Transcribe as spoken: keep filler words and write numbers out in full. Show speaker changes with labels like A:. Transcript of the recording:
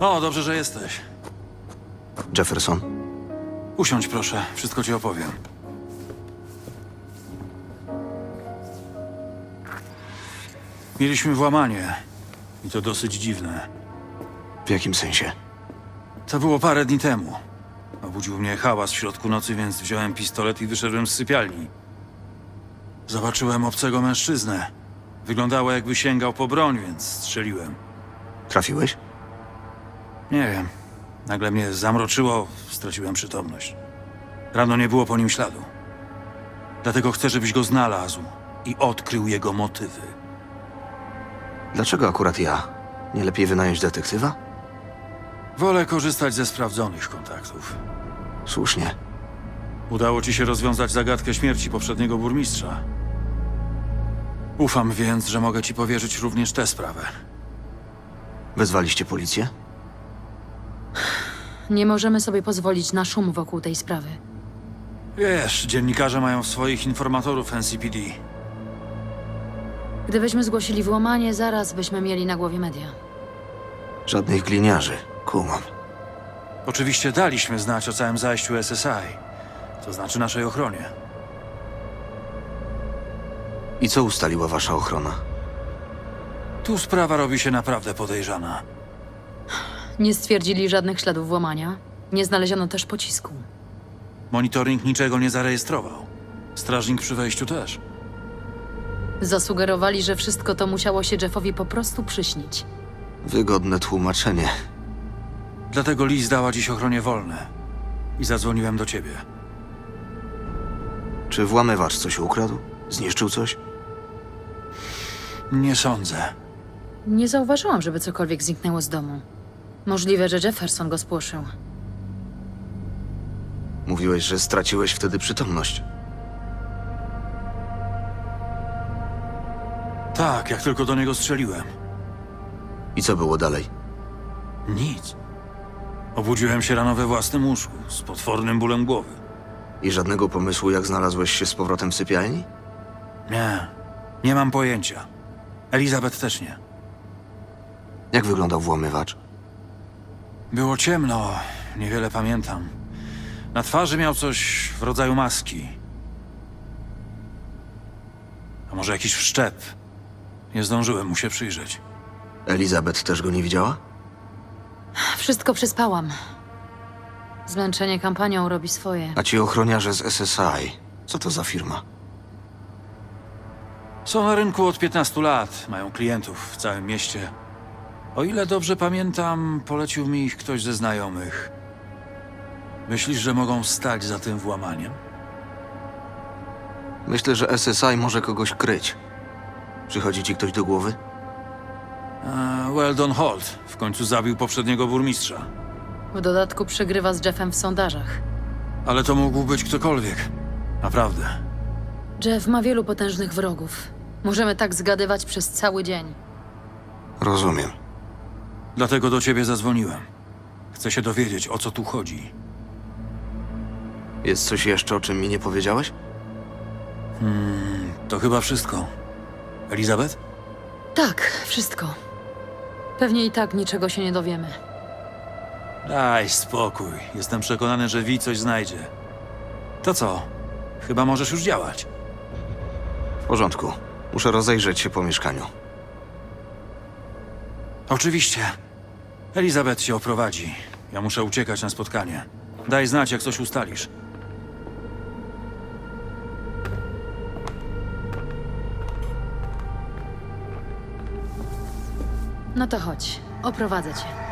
A: O, dobrze, że jesteś.
B: Jefferson?
A: Usiądź proszę, wszystko ci opowiem. Mieliśmy włamanie. I to dosyć dziwne.
B: W jakim sensie?
A: To było parę dni temu. Obudził mnie hałas w środku nocy, więc wziąłem pistolet i wyszedłem z sypialni. Zobaczyłem obcego mężczyznę. Wyglądało, jakby sięgał po broń, więc strzeliłem.
B: Trafiłeś?
A: Nie wiem. Nagle mnie zamroczyło, straciłem przytomność. Rano nie było po nim śladu. Dlatego chcę, żebyś go znalazł i odkrył jego motywy.
B: Dlaczego akurat ja? Nie lepiej wynająć detektywa?
A: Wolę korzystać ze sprawdzonych kontaktów.
B: Słusznie.
A: Udało ci się rozwiązać zagadkę śmierci poprzedniego burmistrza. Ufam więc, że mogę ci powierzyć również tę sprawę.
B: Wezwaliście policję?
C: Nie możemy sobie pozwolić na szum wokół tej sprawy.
A: Wiesz, dziennikarze mają swoich informatorów N C P D.
C: Gdybyśmy zgłosili włamanie, zaraz byśmy mieli na głowie media.
B: Żadnych gliniarzy. Kumam.
A: Oczywiście daliśmy znać o całym zajściu S S I, to znaczy naszej ochronie.
B: I co ustaliła wasza ochrona?
A: Tu sprawa robi się naprawdę podejrzana.
C: Nie stwierdzili żadnych śladów włamania. Nie znaleziono też pocisku.
A: Monitoring niczego nie zarejestrował. Strażnik przy wejściu też.
C: Zasugerowali, że wszystko to musiało się Jeffowi po prostu przyśnić.
B: Wygodne tłumaczenie.
A: Dlatego Liz dała dziś ochronie wolne. I zadzwoniłem do ciebie.
B: Czy włamywacz coś ukradł? Zniszczył coś?
A: Nie sądzę.
C: Nie zauważyłam, żeby cokolwiek zniknęło z domu. Możliwe, że Jefferson go spłoszył.
B: Mówiłeś, że straciłeś wtedy przytomność.
A: Tak, jak tylko do niego strzeliłem.
B: I co było dalej?
A: Nic. Obudziłem się rano we własnym łóżku, z potwornym bólem głowy.
B: I żadnego pomysłu, jak znalazłeś się z powrotem w sypialni?
A: Nie, nie mam pojęcia. Elizabeth też nie.
B: Jak wyglądał włamywacz?
A: Było ciemno, niewiele pamiętam. Na twarzy miał coś w rodzaju maski. A może jakiś wszczep? Nie zdążyłem mu się przyjrzeć.
B: Elizabeth też go nie widziała?
C: Wszystko przespałam. Zmęczenie kampanią robi swoje.
B: A ci ochroniarze z S S I, co to za firma?
A: Są na rynku od piętnastu lat, mają klientów w całym mieście. O ile dobrze pamiętam, polecił mi ich ktoś ze znajomych. Myślisz, że mogą stać za tym włamaniem?
B: Myślę, że S S I może kogoś kryć. Przychodzi ci ktoś do głowy?
A: A, Weldon Holt w końcu zabił poprzedniego burmistrza.
C: W dodatku przegrywa z Jeffem w sondażach.
A: Ale to mógł być ktokolwiek. Naprawdę.
C: Jeff ma wielu potężnych wrogów. Możemy tak zgadywać przez cały dzień.
B: Rozumiem.
A: Dlatego do ciebie zadzwoniłem. Chcę się dowiedzieć, o co tu chodzi.
B: Jest coś jeszcze, o czym mi nie powiedziałeś?
A: To chyba wszystko. Elizabeth?
C: Tak, wszystko. Pewnie i tak niczego się nie dowiemy.
A: Daj spokój. Jestem przekonany, że Vi coś znajdzie. To co? Chyba możesz już działać.
B: W porządku. Muszę rozejrzeć się po mieszkaniu.
A: Oczywiście. Elizabeth się oprowadzi. Ja muszę uciekać na spotkanie. Daj znać, jak coś ustalisz.
C: No to chodź, oprowadzę cię.